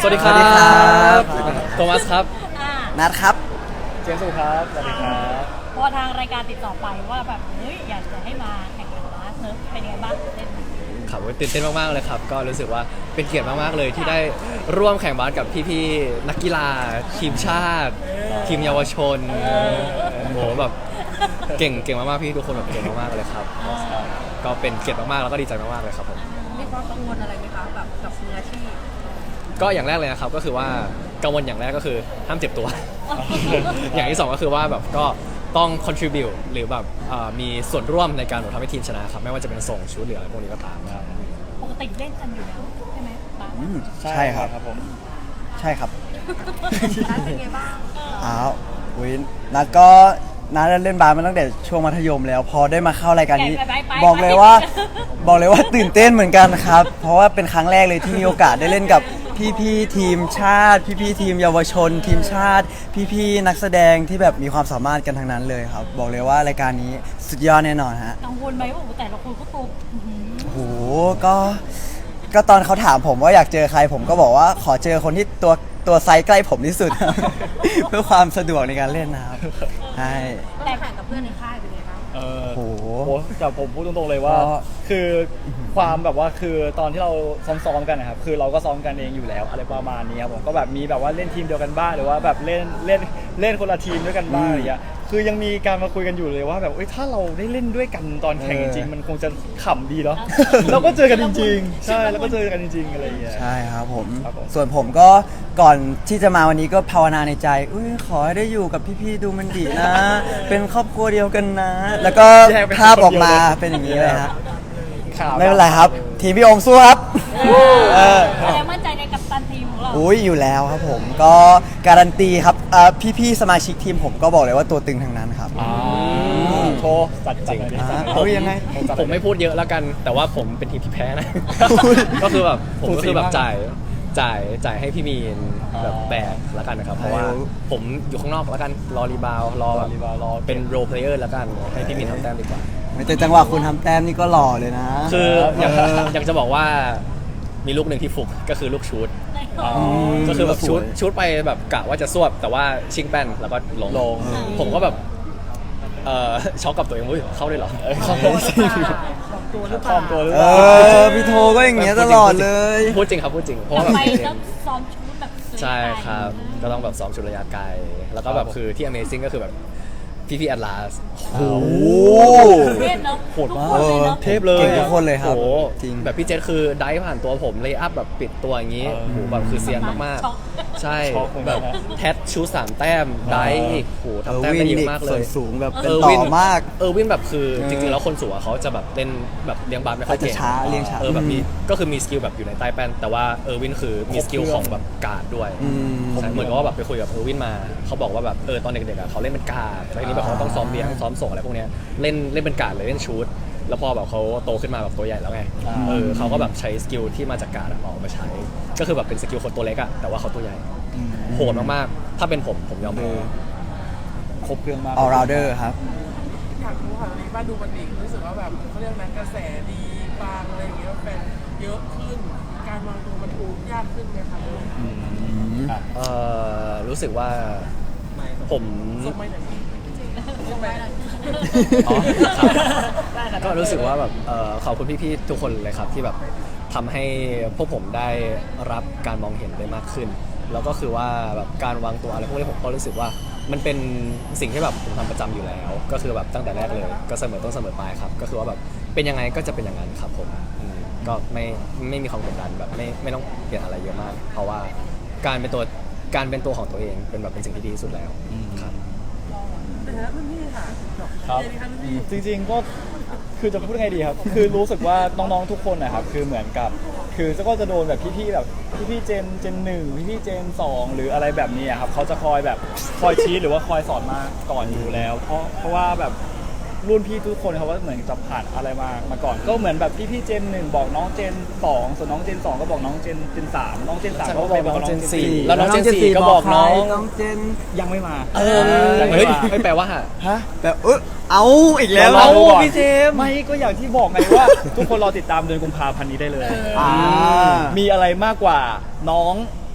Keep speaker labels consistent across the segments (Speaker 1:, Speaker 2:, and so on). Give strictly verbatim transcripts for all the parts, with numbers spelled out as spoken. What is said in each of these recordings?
Speaker 1: วัสดีครับ
Speaker 2: สวัสดีครับ
Speaker 1: โทมัสครับ
Speaker 3: อ่า
Speaker 2: นัดครับ
Speaker 1: เจมส์ครับ สวัสดีครับ
Speaker 3: พอทางรายการติดต่อไปว่าแบบเฮ้ยอยากจะให้มาแข่งขันบาสเนอะเป็นยังไงบ้างเล่น
Speaker 1: ครับตื่นเต้นมากๆเลยครับ ก็รู้สึกว่าเป็นเกียรติมากๆเลยที่ได้ร่วมแข่งบาสกับพี่ๆนักกีฬาทีมชาติ ทีมเยาวชนโหแบบเก่งเก่งมากๆพี่ทุกคนแบบเก่งมากๆเลยครับ ก็เป็นเกียรติมากๆแล้วก็ดีใจมากๆเลยครับผม
Speaker 4: มีความกังวลอะไรไหมคะแบบกับมืออาชีพ
Speaker 1: ก็อย่างแรกเลยนะครับก็คือว่ากังวลอย่างแรกก็คือห้ามเจ็บตัว อย่างที่สองก็คือว่าแบบก็ต้อง contribute หรือแบบเอ่อมีส่วนร่วมในการแบบทำให้ทีมชนะครับไม่ว่าจะเป็นส่งชุดหรืออะไรพวกนี้ก็ตามครับ
Speaker 3: ปกติเล่นกันอยู่แล้วใช่ไหมบาส
Speaker 2: อืมใช่ครับ
Speaker 1: ผม
Speaker 2: ใช่ครับ
Speaker 4: นัดเป็นไงบ้าง
Speaker 2: อ้าวอุ้ยนัดก็นัดเล่นบาสมาตั้งแต่ช่วงมัธยมแล้ว พอได้มาเข้ารายการนี้
Speaker 3: ไปไปไป
Speaker 2: บอกเลยว่า บอกเลยว่าตื่นเต้นเหมือนกันครับ เพราะว่าเป็นครั้งแรกเลยที่มีโอกาสได้เล่นกับพี่ๆทีมชาติ พี่ๆทีมเยาวชน ทีมชาติ พี่ๆนักแสดงที่แบบมีความสามารถกันทั้งนั้นเลยครับ บอกเลยว่ารายการนี้สุดยอดแน่นอนฮะ
Speaker 3: กังวลไหมว่าโอ้โหแต่ละคนก็ตัวอื้อหือ
Speaker 2: โอ้โหก็ก็ตอนเขาถามผมว่าอยากเจอใคร ผมก็บอกว่าขอเจอคนที่ตัวตัวไซส์ใกล้ผมที่สุด เพื่อความสะดวกในการเล่นนะครับใช่
Speaker 4: แต่แข่งกับเพื่อนในค่ายเป็นไงบ้าง
Speaker 5: เออ
Speaker 2: โอ้โห
Speaker 5: โหแต่ผมพูดตรงๆเลยว่า
Speaker 2: ก็
Speaker 5: คือความแบบว่าคือตอนที่เราซ้อมๆกันนะครับคือเราก็ซ้อมกันเองอยู่แล้วอะไรประมาณนี้ครับผมก็แบบมีแบบว่าเล่นทีมเดียวกันบ้างหรือว่าแบบเล่นเล่นเล่นคนละทีมด้วยกันบ้างอะไรอย่างเงี้ยคือยังมีการมาคุยกันอยู่เลยว่าแบบเอ้ยถ้าเราได้เล่นด้วยกันตอนแข่งจริงๆมันคงจะขำดีเนาะเราก็เจอกันจริงๆใช่แล้วก็เจอกันจริงๆอะไรอย่างเงี้ย
Speaker 2: ใช่ครับผม
Speaker 5: ครับผม
Speaker 2: ส่วนผมก็ก่อนที่จะมาวันนี้ก็ภาวนาในใจอุ้ยขอให้ได้อยู่กับพี่ๆดูมันดีนะ เป็นครอบครัวเดียวกันนะ แล้วก็ภาพออกมาเป็นอย่างนี้เลยฮะ
Speaker 5: ข่าว
Speaker 2: ไม่เป็นไรครับ ทีมพี่โอมสู้ครับ เออ
Speaker 3: แสดงมั่นใจในกัปตันทีมของเรา
Speaker 2: อุ้ยอยู่แล้วครับผมก็การันตีครับเอ่อพี่ๆสมาชิกทีมผมก็บอกเลยว่าตัวตึงทั้งนั้นครับ
Speaker 5: อ่าโชว์จัดจัดหน่อยดิ
Speaker 2: อ่า
Speaker 5: จัดหน่
Speaker 2: เอายังไง
Speaker 5: จัดห
Speaker 1: ผ
Speaker 5: น่อย
Speaker 1: มไม่พูดเยอะแล้วกัน แต่ว่าผมเป็นทีมที่แพ้นะ ก็คือแบบผมก็คือแบบจ่ายจ่ายจ่ายให้พี่มีนแบบแบกแล้วกันนะครับ เพราะว่าผมอยู่ข้างนอกแล้วกันรอรีบาวด์รอแบบ
Speaker 5: รอรีบาวด์รอ
Speaker 1: เป็นโรเพลเยอร์แล้วกันให้พี่มีนทำแต้มดีกว่า
Speaker 2: แต่จังหวะคุณทำแต้มนี่ก็หล่อเลยนะ
Speaker 1: คืออยาก
Speaker 2: เออ
Speaker 1: อยากจะบอกว่ามีลูกหนึ่งที่ฟุกก็คือลูกชูด
Speaker 5: อ๋อ
Speaker 1: ก็คือแบบ
Speaker 2: สวย
Speaker 1: ชูดชูดไปแบบกะว่าจะสวบแต่ว่าชิงแป้นแล้วก็ลง
Speaker 5: ลง
Speaker 1: ผมก็แบบเอ่อช็อกกับตัวเองอุ้ยเข้าได้เหรอ
Speaker 5: เออเข้า
Speaker 4: ตัวหรือเปล่าบอกตัวหรือเป
Speaker 5: ปลอ
Speaker 4: ล่า
Speaker 5: มตัวหรือ
Speaker 2: เอ
Speaker 5: เปล่า
Speaker 2: อพี่โทก็อย่างเงี้ยตลอดเลย
Speaker 1: พูดจริงครับพูดจริงเพราะว่าแบบ
Speaker 3: ทำไมต้องซ้อมชุดแบบสวย
Speaker 1: ใช่ครับ ก็ต้องแบบซ้อมชุดระยะไกล แล้วก็แบบคือที่ Amazing ก็คือแบบพี่พี่แอดลาส
Speaker 2: โอ้โห
Speaker 3: เทพเนอะ
Speaker 5: โหดมาก
Speaker 3: ทุคนเลยเนอะ
Speaker 1: เทพเลย
Speaker 2: เก่งทุกคนเลยครับ
Speaker 1: โอ้โห
Speaker 2: จริง
Speaker 1: แบบพี่เจษคือได้ผ่านตัวผมเลยอัพแบบปิดตัวอย่างนี้
Speaker 5: เออ
Speaker 1: โอ้โหแบบคือเซียนมาก
Speaker 3: ช็อก
Speaker 1: ๆ ใช่
Speaker 5: ช็อกเหมือน
Speaker 1: แบ
Speaker 5: กัน
Speaker 1: บ
Speaker 5: นะ
Speaker 1: แททชูสามแต้มได้อีกโอ้โห
Speaker 2: เออ
Speaker 1: ทำแต้ม
Speaker 2: วิ
Speaker 1: ได้
Speaker 2: น
Speaker 1: เย
Speaker 2: อี
Speaker 1: อะ
Speaker 2: ก
Speaker 1: มากเล
Speaker 2: ส่วน
Speaker 1: ย
Speaker 2: สูงแบบ
Speaker 1: เอ
Speaker 2: เป็น
Speaker 1: อ
Speaker 2: ต่
Speaker 1: วิน
Speaker 2: อมาก
Speaker 1: เออวินแบบคือ
Speaker 2: เออ
Speaker 1: จริงๆแล้วคนสูงอะเขาจะแบบเล่นแบบเลี้ยงบาสไม่ค่อย
Speaker 2: เขาจะ
Speaker 1: เก่ง
Speaker 2: ช้าเลี้ยงช้า
Speaker 1: เออแบบมี
Speaker 2: อืม
Speaker 1: ก็คือมีสกิลแบบอยู่ในใต้แป้นแต่ว่าเออวินคือมีสกิลของแบบการ์ดด้วย
Speaker 2: อืม
Speaker 1: ใช่เหมือนกับว่าแบบไปคุยกับเออร์วินมาเขาบอกว่าแบบเออตอนเด็กๆอะเขาเล่นเป็นการ์ดแล้วทีนี้แบบเขาต้องซ้อมเลี้ยงซ้อมส่งอะไรพวกเนี้ยเล่นเล่นเป็นการ์ดเลยเล่นชูตแล้วพอแบบเขาโตขึ้นมาแบบตัวใหญ่แล้วไง
Speaker 5: อ่า
Speaker 1: เออเขาก็แบบใช้สกิลที่มาจากการ์ดอะเอามาใช้ ก็คือแบบเป็นสกิลคนตัวเล็กอะแต่ว่าเขาตัวใหญ่โหดมากๆถ้าเป็นผมผมยอมแพ้
Speaker 5: ครบเครื่องมาก
Speaker 2: all rounder ครับ
Speaker 6: อยากรู้ค่ะตอนนี้บ้านดูมันดีรู้สึกว่าแบบเขาเรียกนะกระแสดีบางอะไรอย่างเงี้ยแฟนเยอะขึ้น การวางตัวมันดูยากขึ้นไหมคะ
Speaker 5: อ่ะ
Speaker 1: เออรู้สึกว่าผม
Speaker 6: ส่งไม่ไหนส่งไม่ไหน
Speaker 1: อ๋อครับก็รู้สึกว่าแบบเอ่อขอบคุณพี่ๆทุกคนเลยครับที่แบบทำให้พวกผมได้รับการมองเห็นได้มากขึ้น แล้วก็คือว่าแบบการวางตัวอะไรพวกนี้ผมก็รู้สึกว่ามันเป็นสิ่งที่แบบผมทำประจำอยู่แล้ว ก็คือแบบตั้งแต่แรกเลยก็เสมอต้นเสมอปลายครับก็คือว่าแบบเป็นยังไงก็จะเป็นอย่างนั้นครับผมอืมก็ไม่ไม่มีความกดดันแบบไม่ไม่ต้องเปลี่ยนอะไรเยอะมาก เพราะว่าการเป็นตัวการเป็นตัวของตัวเองเป็นแบบเป็นสิ่งที่ดีที่สุดแล้วครับ
Speaker 6: แต่ถ้ารุ่นพี่ค่ะ
Speaker 5: ครับ
Speaker 6: เจนี่ค่ะรุ่นพี่
Speaker 5: จริงๆก็คือจะพูดยังไงดีครับ คือรู้สึกว่าน้องๆทุกคนนะครับคือเหมือนกับ คือก็จะโดนแบบพี่ๆแบบพี่ๆเจนเจนหนึ่งพี่ๆเจนสองหรืออะไรแบบนี้อะครับเขาจะคอยแบบคอยชี้หรือว่าคอยสอนมาก่อนอยู่แล้ว เพราะเพราะว่าแบบรุ่นพี่ทุกคนเขาว่าเหมือนจะผ่านอะไรมามาก่อน ก็เหมือนแบบพี่ๆเจนหนึ่งบอกน้องเจนสองส่วนน้องเจนสองก็บอกน้องเจนเจนสามน้องเจนสามก็ไปบอกน้องเจนสี่
Speaker 1: แล้วน้องเจนสี่ก็บอกน้อง
Speaker 2: น้องเจน
Speaker 5: ยังไม่มา
Speaker 1: เออ
Speaker 5: ยังไม่
Speaker 1: เฮ้ย
Speaker 5: มา
Speaker 1: ไม่แปลว่า
Speaker 2: ฮะแบบเออเอาอีกแล้ว
Speaker 5: รอดูก่อน
Speaker 2: พี่เจมส์
Speaker 5: ไม่ก็อย่างที่บอกไงว่า ทุกคนรอติดตามเดือนกุมภาพันธ์นี้ได้เลย
Speaker 2: อ่า
Speaker 5: มีอะไรมากกว่าน้อง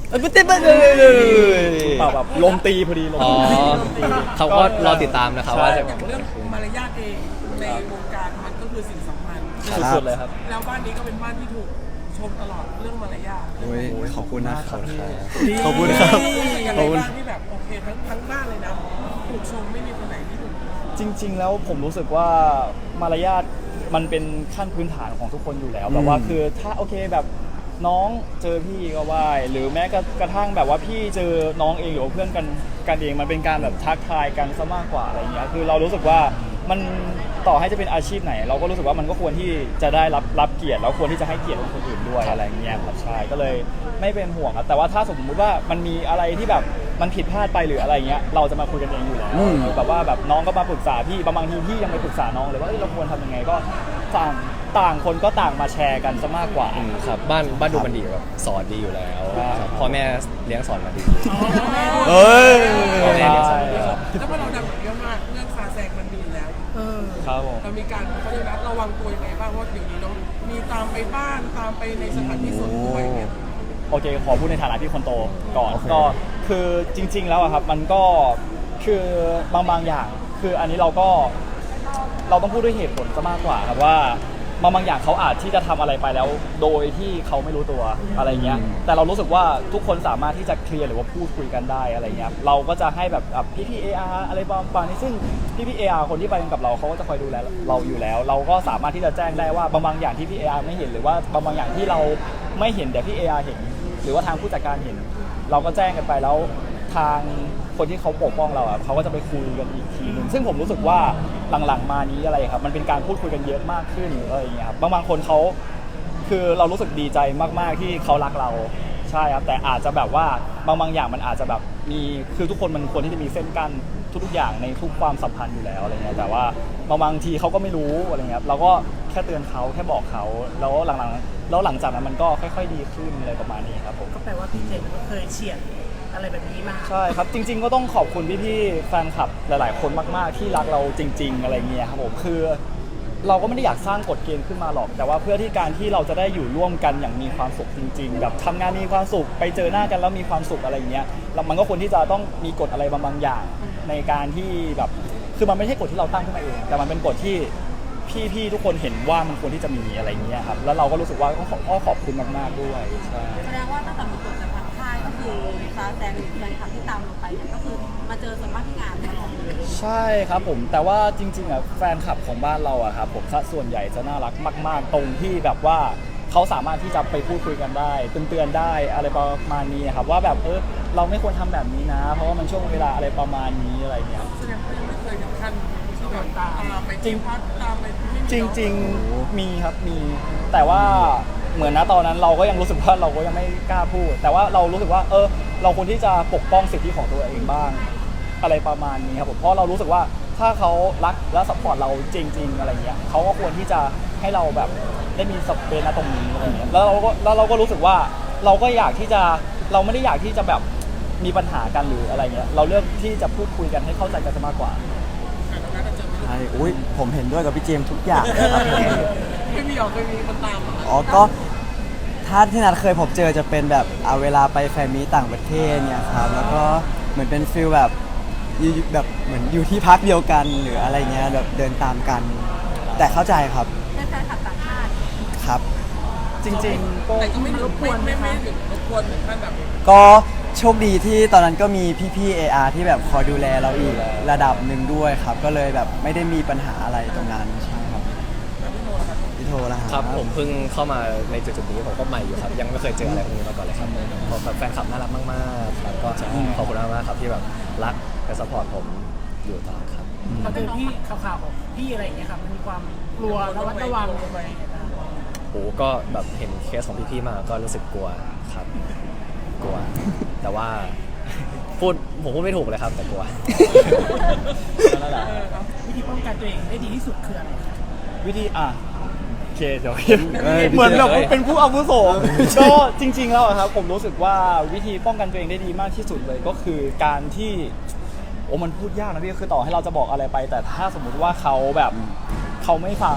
Speaker 2: เอ้ยไม่ได้ไม่ได้
Speaker 5: เปล่าแบบลมตีพอดีลม
Speaker 1: อ๋อ
Speaker 5: ตี
Speaker 1: เขาก็รอติดตามนะครับว่าจะ
Speaker 6: อย่างเรื่องมารยาทเองในวงการมันก็คือสิ่งสำคัญ
Speaker 5: สุดๆเลยครับ
Speaker 6: แล้วบ้านนี้ก็เป็นบ้านที่ถูกชมตลอดเรื่องมารยาท
Speaker 2: โอ้ยขอบคุณนะครับ
Speaker 6: ดี
Speaker 2: ขอบคุณครับ
Speaker 6: อย่าง
Speaker 2: ข
Speaker 6: ไร
Speaker 2: อบคุณ
Speaker 6: บ้างที่แบบโอเคทั้งทั้งบ้านเลยนะถูกชมไม่มีคนไหนที่ถูก
Speaker 5: จริง ๆ แล้วผมรู้สึกว่ามารยาทมันเป็นขั้นพื้นฐานของทุกคนอยู่แล้วแบบว่าคือถ้าโอเคแบบน้องเจอพี่ก็ไหว้หรือแม้กระทั่งแบบว่าพี่เจอน้องเองหรือว่าเพื่อนกันกันเองมันเป็นการแบบทักทายกันซะมากกว่าอะไรเงี้ยคือเรารู้สึกว่ามันต่อให้จะเป็นอาชีพไหน เราก็รู้สึกว่ามันก็ควรที่จะได้รับรับเกียรติแล้วควรที่จะให้เกียรติคนอื่นด้วยอะไรเงี้ยครับใช่ก็เลยไม่เป็นห่วงครับแต่ว่าถ้าสมมติว่ามันมีอะไรที่แบบมันผิดพลาดไปหรืออะไรเงี้ยเราจะมาคุยกันเองอยู่แล้ว
Speaker 2: อืม
Speaker 5: แบบว่าแบบน้องก็มาปรึกษาพี่บางทีพี่ยังไปปรึกษาน้องเลยว่าเอ้ยเราควรทำยังไงก็ต่างต่างคนก็ต่างมาแชร์กันซะมากกว่า
Speaker 1: อืมครับบ้านบ้านดูมันดีแบบสอนดีอยู่แล้ว
Speaker 5: ใช่
Speaker 1: ครับพ่อแม่เลี้ยงสอนมาดี
Speaker 2: เอ้ย
Speaker 1: พ่อแม่เลี้ยงสอนดี
Speaker 5: ใช่
Speaker 1: ครับ
Speaker 6: แล้วพอเราดังเยอะมากเรื่องคาแซงมันดีอยู่แล้วเออ
Speaker 5: ครับผม
Speaker 6: เรามีการเขาเรียกนะระวังตัวยังไงบ้างเพราะเดี๋ยวนี้น้องมีตามไปบ้านตามไปในสถานที่ส่วนตัวอย่างเงี้ย
Speaker 5: โอเคขอพูดในฐานะที่คนโตก่อน
Speaker 2: โอเค
Speaker 5: ก็คือจริง ๆ แล้วอะครับมันก็คือบางบางอย่าง คืออันนี้เราก็เราต้องพูดด้วยเหตุผลซะมากกว่าครับว่าบางบางอย่างเขาอาจที่จะทำอะไรไปแล้ว โดยที่เขาไม่รู้ตัวอะไรเงี้ยแต่เรารู้สึกว่าทุกคนสามารถที่จะเคลียร์หรือว่าพูดคุยกันได้อะไรเงี้ยเราก็จะให้แบบพี่พี่เออาร์อะไรบางๆนี้ซึ่งพี่พี่เออาร์คนที่ไปกับเราเขาก็จะคอยดูแลเราอยู่แล้ว เราก็สามารถที่จะแจ้งได้ว่าบางบางอย่างที่พี่เออาร์ไม่เห็นหรือว่าบางบางอย่างที่เราไม่เห็นแต่พี่เออาร์เห็น หรือว่าทางผู้จัดการเห็น เราก็แจ้งกันไปแล้วทางคนที่เขาปกป้องเราอ่ะเขาก็จะไปคุยกันอีกทีหนึ่งซึ่งผมรู้สึกว่าหลังๆมานี้อะไรครับมันเป็นการพูดคุยกันเยอะมากขึ้นอะไรอย่างเงี้ยครับบางบางคนเขาคือเรารู้สึกดีใจมากๆที่เขารักเราใช่ครับแต่อาจจะแบบว่าบางบางอย่างมันอาจจะแบบมีคือทุกคนมันควรที่จะมีเส้นกั้นทุกๆอย่างในทุกความสัมพันธ์อยู่แล้วอะไรเงี้ยแต่ว่าบางบางทีเขาก็ไม่รู้อะไรเงี้ยเราก็แค่เตือนเขาแค่บอกเขาแล้วหลังๆแล้วหลังจากนั้นมันก็ค่อยๆดีขึ้นอะไรประมาณนี้ครับผม
Speaker 6: ก็แปลว่าพี่เจนก็เคยเฉียดอะไรแบบนี้มา
Speaker 5: ใช่ครับจริง ๆ ก็ต้องขอบคุณพี่ๆแฟนคลับหลาย ๆ คนมากๆที่รักเราจริง ๆ อะไรเงี้ยครับผมคือเราก็ไม่ได้อยากสร้างกฎเกณฑ์ขึ้นมาหรอก แต่ว่าเพื่อที่การที่เราจะได้อยู่ร่วมกันอย่างมีความสุขจริง ๆ แบบทำงานมีความสุขไปเจอหน้ากันแล้วมีความสุขอะไรเงี้ยแล้วมันก็ควรที่จะต้องมีกฎอะไรบางๆอย่างในการที่แบบคือมันไม่ใช่กฎที่เราตั้งขึ้นมาเองแต่มันเป็นกฎที่พี่ๆทุกคนเห็นว่ามันควรที่จะมีอะไรเงี้ยครับแล้วเราก็รู้สึกว่าก็ขอขอบคุณมากๆด้วยใช่
Speaker 4: แสดงว่าตั้งแต่มีกฎจากทางค่ายก็คือซาแซงหรือแฟนคลับที่ตามเราไปเนี่ยก็คือมาเจอส่วนมากที่งานตลอดเลย
Speaker 5: ใช่ครับผมแต่ว่าจริงๆอ่ะแฟนคลับของบ้านเราอ่ะครับผมถ้าส่วนใหญ่จะน่ารักมากๆตรงที่แบบว่าเขาสามารถที่จะไปพูดคุยกันได้เตือนๆได้อะไรประมาณนี้ครับว่าแบบเออเราไม่ควรทำแบบนี้นะ เพราะว่ามันช่วงเวลาอะไรประมาณนี้อะไรเงี้ย
Speaker 6: แสดงว่ายังไม่เคยถึงขั้นที่แบบตามไปที่พัดตามไปที่
Speaker 5: จริงๆมีครับมีแต่ว่าเหมือนนะตอนนั้นเราก็ยังรู้สึกว่าเราก็ยังไม่กล้าพูด แต่ว่าเรารู้สึกว่าเออเราควรที่จะปกป้องสิทธิของตัวเองบ้างอะไรประมาณนี้ครับผมเพราะเรารู้สึกว่าถ้าเขารักและสปอร์ตเราจริง ๆ อะไรเงี้ยเขาก็ควรที่จะให้เราแบบได้มีสเปซณตรงนี้อะไรเงี้ยแล้วเราก็แล้วเราก็รู้สึกว่าเราก็อยากที่จะเราไม่ได้อยากที่จะแบบมีปัญหากันหรืออะไรเงี้ยเราเลือกที่จะพูดคุยกันให้เข้าใจกันมากกว่า
Speaker 2: ใช่อุ้ยผมเห็นด้วยกับพี่เจมส์ทุกอย่างครับผม
Speaker 6: ไม่มีหรอกเคยมีคนตามเหรอ
Speaker 2: อ๋อก็ถ้าที่นัดเคยพบเจอจะเป็นแบบเอาเวลาไปแฟนมีตต่างประเทศเนี่ยครับแล้วก็เหมือนเป็นฟิลแบบอยู่แบบเหมือนอยู่ที่พักเดียวกันหรืออะไรเงี้ยแบบเดินตามกัน แต่เข้าใจครับ
Speaker 4: เป็นแฟนคลับต่างชาติ
Speaker 2: ครับ
Speaker 5: จริงๆก็
Speaker 6: แต่ก็ไม่รบกวนไม่ไม่ถึงรบกวนถึงขั้นแบบ
Speaker 2: ก็โชคดีที่ตอนนั้นก็มีพี่ๆ เอ อาร์ ที่แบบคอยดูแลเราอีกระดับหนึ่งด้วยครับ ก็เลยแบบไม่ได้มีปัญหาอะไรตรงนั้นใช่ครับพี่โทรแล้ว
Speaker 1: ครับผมเพิ่งเข้ามาในจุดๆนี้ผมก็ใหม่อยู่ครับยังไม่เคยเจออะไรพวกนี้มาก่อนเลยครับขอบคุณแฟนคลับน่ารักมากๆครับก็ขอบคุณมากๆครับที่แบบรักและสปอร์ตผมอยู่ตลอดครับ
Speaker 7: พอเจอพี่ข่าวๆของพี่อะไรอย่างเงี้ยครับมันมีความกลัวระมัดระวังอะไรอย่างเงี้ยครับ
Speaker 1: โอ้ก็แบบเห็นเคสของพี่ๆมาก็รู้สึกกลัวครับ กลัว แต่ว่าพูดผมพูดไม่ถูกเลยครับแต่กลัว
Speaker 5: นั่นแหละ
Speaker 7: วิธีป้องกันตัวเองได้ดีที่สุดคืออะไรครับ
Speaker 5: วิธีอ่ะโอเคเดี๋ยว
Speaker 2: เอ้ย
Speaker 5: เหมือนแบบ
Speaker 1: เอ้ย
Speaker 5: เป็นผู้อาวุโสก็จริง ๆ แล้วอะครับผมรู้สึกว่าวิธีป้องกันตัวเองได้ดีมากที่สุดเลยก็คือการที่โอ้มันพูดยากนะพี่คือต่อให้เราจะบอกอะไรไป แต่ถ้าสมมุติว่าเขาแบบเขาไม่ฟัง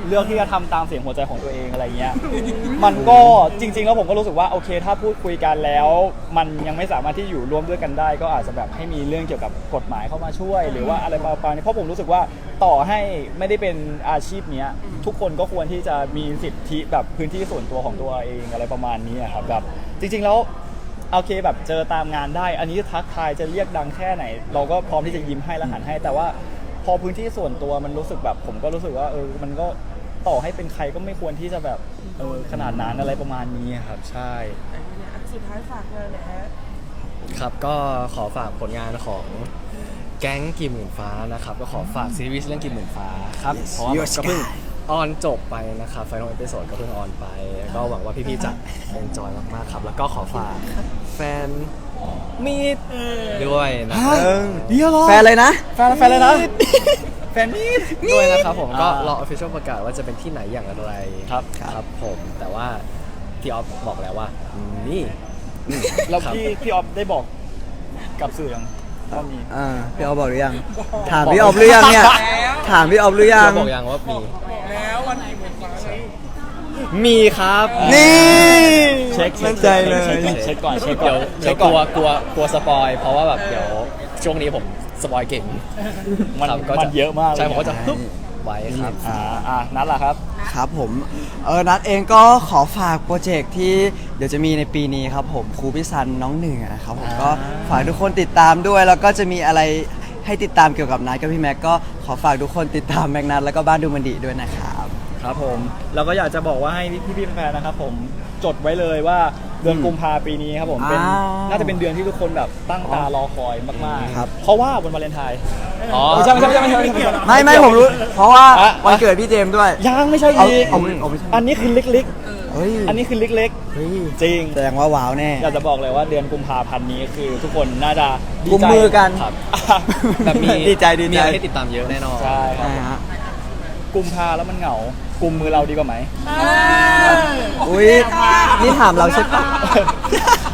Speaker 5: เลือกที่จะทำตามเสียงหัวใจของตัวเองอะไรเงี้ยมันก็จริงๆแล้วผมก็รู้สึกว่าโอเคถ้าพูดคุยกันแล้ว มันยังไม่สามารถที่อยู่ร่วมด้วยกันได้ ก็อาจจะแบบให้มีเรื่องเกี่ยวกับกฎหมายเข้ามาช่วย หรือว่าอะไรประมาณนี้เพราะผมรู้สึกว่าต่อให้ไม่ได้เป็นอาชีพเนี้ยทุกคนก็ควรที่จะมีสิทธิแบบพื้นที่ส่วนตัวของตัวเองอะไรประมาณนี้อะครับแบบจริงๆแล้วโอเคแบบเจอตามงานได้ อันนี้ทักทายจะเรียกดังแค่ไหน เราก็พร้อมที่จะยิ้มให้และหันให้แต่ว่าพอพื้นที่ส่วนตัวมันรู้สึกแบบผมก็รู้สึกว่าเออมันก็ต่อให้เป็นใครก็ไม่ควรที่จะแบบเออขนาดนั้นอะไรประมาณนี้ครับใช่
Speaker 6: อันนี้เนี่ยอันสุดท้ายฝากงานหนะฮะ
Speaker 1: ครับก็ขอฝากผลงานของแก๊งกี่หมื่นฟ้านะครับก็ขอฝากซีรีส์เรื่องกี่หมื่นฟ้าครับเพราะว่ามันก็เพิ่งออนจบไปนะครับไฟนอลเอพิโซดก็เพิ่งออนไป ก็หวังว่าพี่ๆจะเอนจอยมากๆครับแล้วก็ขอฝากแฟนมีดด้วยนะครับ
Speaker 2: เดี๋ยวรอแฟนเลยนะ
Speaker 5: แฟนแฟนเลยนะแฟนนี่
Speaker 1: ด้วยนะครับผมก็
Speaker 5: อ่าร
Speaker 1: อ official ประกาศว่าจะเป็นที่ไหนอย่างไร
Speaker 5: ครับ
Speaker 1: ครับผมแต่ว่าพี่ออฟบอกแล้วว่านี่
Speaker 5: แล้ว
Speaker 1: ครับ
Speaker 5: พี่พี่ออฟได้บอกกับสื่อยังว่ามี
Speaker 2: อ่าพี่ออฟบอกหรือยัง ถามพี่ออฟหรือยังเนี่ย ถามพี่ออฟหรือยัง
Speaker 1: เราบอกยังว่ามี
Speaker 6: บอกแล้ววันกี่หมื่นฟ้าไง
Speaker 1: มีครับ
Speaker 2: นี่
Speaker 5: เช็ค
Speaker 2: มั่นใจเลย
Speaker 5: เช็คก่อนเช็คก่
Speaker 1: เดี๋
Speaker 5: อย
Speaker 1: วน
Speaker 5: เช็
Speaker 1: เดี๋ย
Speaker 5: คว ก่
Speaker 1: ก
Speaker 5: อน
Speaker 1: ลัวกลัวกลัวสปอยเพราะว่าแบบเดี๋ยวช่วงนี้ผมสปอยเก่ง
Speaker 5: มัน
Speaker 1: ครับก็
Speaker 5: มั
Speaker 1: จ
Speaker 5: นเยอะมากเลย
Speaker 1: ใช่ผมก็จะฮึบไว้ครับ
Speaker 5: อ่าอ่านัดล่ะครับ
Speaker 2: ครับผมเออนัดเองก็ขอฝากโปรเจกต์ที่เดี๋ยวจะมีในปีนี้ครับผมครูพิซันน้องหนึ่งอะนะครับผมก็ฝากทุกคนติดตามด้วย แล้วก็จะมีอะไรให้ติดตามเกี่ยวกับนัดกับพี่แม็กก็ขอฝากทุกคนติดตามแม็กนัทแล้วก็บ้านดูมันดีด้วยนะครับ
Speaker 5: ครับผมเราก็อยากจะบอกว่าให้พี่ๆแฟนๆนะครับผมจดไว้เลยว่าเดือนกุมภาปีนี้ครับผมเป็น
Speaker 2: อ้าว
Speaker 5: น่าจะเป็นเดือนที่ทุกคนแบบตั้งตารอคอยมาก
Speaker 2: ครับ
Speaker 5: ๆ เพราะว่าวันวาเลนไทน์
Speaker 1: อ๋อ
Speaker 5: ไม่ใช่ไม่ใช่ไม่ใช่ไม่ใช่ไม่ใช่
Speaker 2: ไม่ไม่ผมรู้ เพราะว่า
Speaker 5: อ่ะ
Speaker 2: วันเกิดพี่เจมส์ด้วย
Speaker 5: ยังไม่ใช่
Speaker 2: เอา
Speaker 5: อีก
Speaker 2: เอาเอาไม่ใช่
Speaker 5: อันนี้คือเล็ก
Speaker 2: เฮ้ย
Speaker 5: ๆ อันนี้คือเล็ก
Speaker 2: เฮ้ย
Speaker 5: ๆ จริง
Speaker 2: แสดงว่าว้าวแน่
Speaker 5: อยากจะบอกเลยว่าเดือนกุมภาพันธ์นี้คือทุกคนน่าจะดี
Speaker 2: กุม
Speaker 5: ใจ
Speaker 2: มือกัน
Speaker 1: ครับ
Speaker 5: อ่ะ
Speaker 1: แบบมี
Speaker 2: ดีใจดีใจ
Speaker 1: มีอะไรให้ติดตามเยอะแน่นอน
Speaker 5: ใช่ครับ
Speaker 2: ใช่ฮะ
Speaker 5: กุมภาแล้วมันเหงากุมมือเราดีกว่าไหม
Speaker 2: อุ้ยนี่ถามเราใช่ปะ